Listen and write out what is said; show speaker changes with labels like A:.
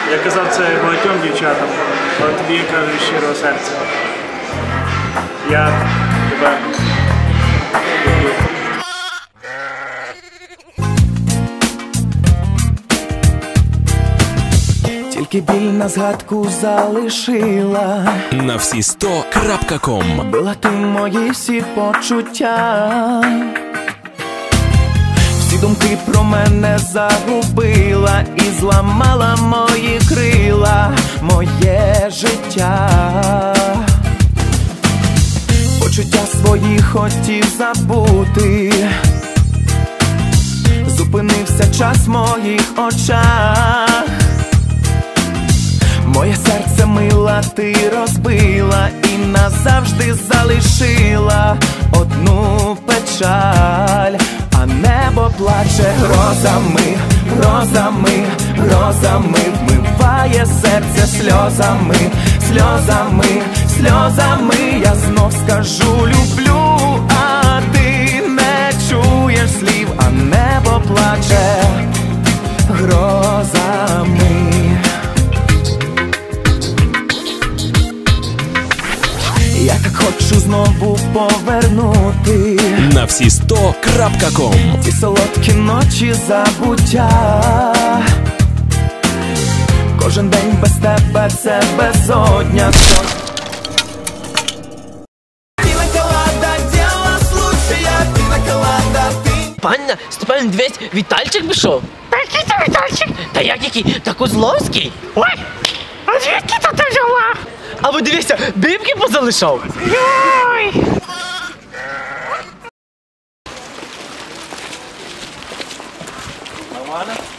A: Я казав це багатьом дівчатам, але тобі я кажу щирого серця. Я тебе люблю.
B: Тільки біль на згадку залишила.
C: На всі 100.com.
B: Била ти мої всі почуття. Всі думки про мене загубила і зламала мої крила, моє життя. Почуття свої хотів забути. Зупинився час в моїх очах. Моє серце мила ти розбила і назавжди залишила одну печаль. А небо плаче грозами, грозами, грозами, вмиває серце сльозами, сльозами, сльозами. Я знов скажу люблю, а ти не чуєш слів, а небо плаче грозами. Я так хочу знову повернути
C: На всі 100.com.
B: ті солодкі ночі забуття. Кожен день без тебе це безодня.
D: Панна, Степан, дивись, Вітальчик пішов.
E: Та який це Вітальчик?
D: Та який? Та Козловський.
E: Ой, а звідки то ти взяла?
D: А ви дивіться, бібки позалишав.
E: Йой!
A: Нормально?